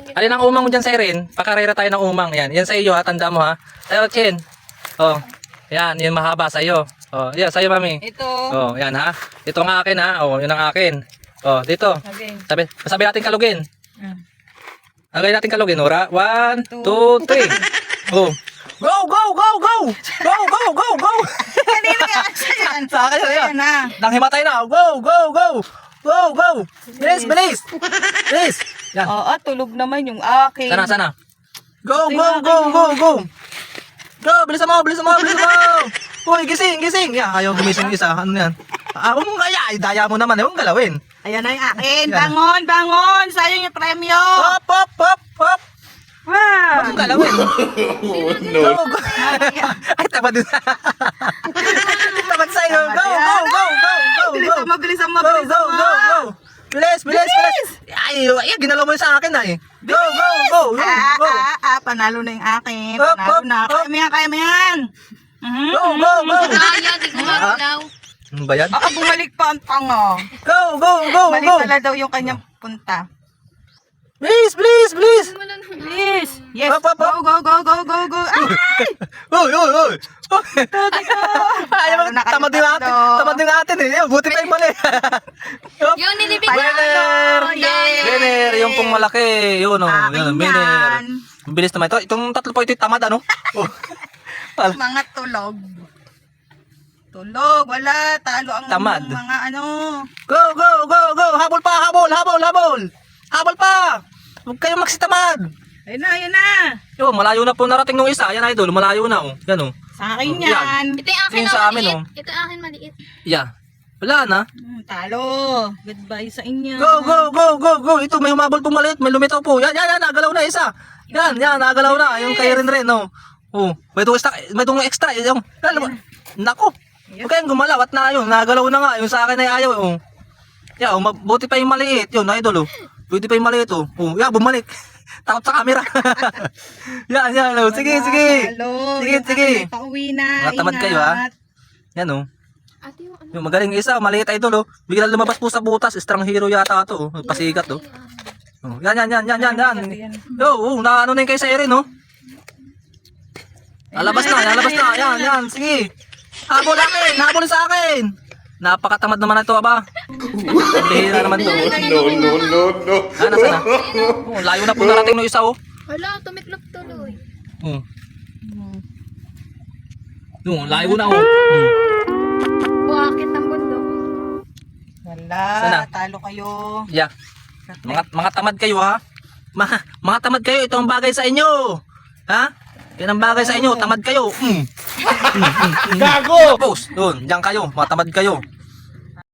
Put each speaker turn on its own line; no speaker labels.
Alin ang umang mo dyan, Siren? Pakarera tayo ng umang. Yan. Yan sa iyo, ha? Tanda mo, ha? Tayo, Chen. Oh. Yan. Yan mahaba sa iyo. Oh. Yan, sa iyo, mami.
Ito.
Oh. Yan, ha? Ito ang akin, ha? Oh. Yun ang akin. Oh. Dito.
Sabi.
Sabi natin kalugin.
Mm.
Lagay natin kalugin. Ora. 1, 2, 3. Oh. Go, go, go, go! Go, go, go, go!
Kanina ka yan.
Sa akin,
Ayan
yan.
na.
Nang himatay na. Go, go, go! Go, go! Bilis, bilis! Bilis! Yan.
Oo, tulog naman yung akin.
Sana, sana. Go, go, go, go, go! Go, bilisan mo, bilisan mo, bilisan mo! Uy, gising, gising! Yan, ayaw gumising isa. Ano yan? Huwag mong kaya, daya mo naman. Huwag galawin.
Ayan na yung akin.
Yan.
Bangon, bangon. Sayang yung premyo.
Hop, hop, hop, hop! Huwag
Wow.
mong galawin. Go, go! Ay, tamad din. Tamad sa'yo. Go, go, go, go, go, go!
Bilisan mo, bilisan mo,
Go,
bilisan
go,
mo.
go, go! Bilis, bilis, bilis! Ay, ginalaw mo yun sa akin, ay. Go, go, go, go, go!
Panalo na yung akin.
Hop,
Panalo
hop,
na.
hop.
Kaya mo yan, kaya mo yan.
Go, go, go!
Kaya, di ko magalaw.
Ano ba yan?
Bumalik pa ang tanga.
Go, go, go,
Mali
go!
pala daw yung kanyang punta.
Bilis, bilis, bilis!
Please. Yes.
Hop, hop, hop.
Go, go, go, go, go, go. Ay!
Uy, uy, uy!
Tuti ko.
Ay,
Panalo na kayo
tamad din atin.
tatlo.
Tamad din atin eh. Buti pa yung mali. Hop.
Yung nilibig
Winner!
Yay!
Winner! Yung pong malaki. Yun o.
Akin
Yun, winner.
yan.
Bilis naman ito. Itong tatlo po ito tamad ano? Oh.
Mga tulog. Tulog. Wala. Talo ang
Tamad.
mga ano.
Go, go, go, go! Habol pa! Habol! Habol! Habol! Habol pa! Huwag kayong magsitamad.
Ayun na, ayun na.
Yo, malayo na po narating nung isa. Yan idol, malayo na oh. Yan oh.
Sa akin
Oh,
yan.
Ito yung akin
Yung
na
sa amin,
maliit.
oh.
Ito yung akin maliit.
Yeah. Wala na.
Talo. Goodbye sa inyo.
Go, go, go, go, go. Ito, may humabol po maliit. May lumitaw po. Yan, yan, yan. Nagalaw na isa. Yan, yan. Nagalaw na. Yung kay rin, no. Oh, may itong extra. May itong extra. Yung, nako. Huwag kayong gumalaw. At na yun. Nagalaw na nga. Yung sa akin ay ayaw. Oh. Yeah, oh, buti pa yung maliit. Yun, idol. Oh. Buti pa yung maliit. Oh, yeah, bumalik. Takot sa camera. Yan, yan. Oh. Sige, sige.
Talo.
Sige,
Yung
sige.
akin ay pauwi na.
Mga tamad kayo, ha? Yan, oh.
Ate yung ano.
Yung magaling isa, maliit idol, oh. Bigla lumabas po sa butas, strong hero yata ito, oh. Pasikat, oh. Oh, yan, yan, yan, yan, yan, yan. Yo, oh, naano na yung kay Siren, oh. Nalabas na, nalabas na. Yan, yan, sige. Habol akin, habol sa akin. Napakatamad naman ito, aba. Bihira naman to.
No.
Ah, nasa na? Oh, layo na po narating no isa, oh.
Hala, tumiklop tuloy.
Oh. Yung, layo na, oh. Hmm.
Buhakit ng bundok.
Wala.
Sana?
Talo kayo.
Yeah. Mga tamad kayo, ha? Mga tamad kayo, ito ang bagay sa inyo. Ha? Yan ang bagay sa inyo, tamad kayo. Gago! Tapos, doon, diyan kayo, mga tamad kayo.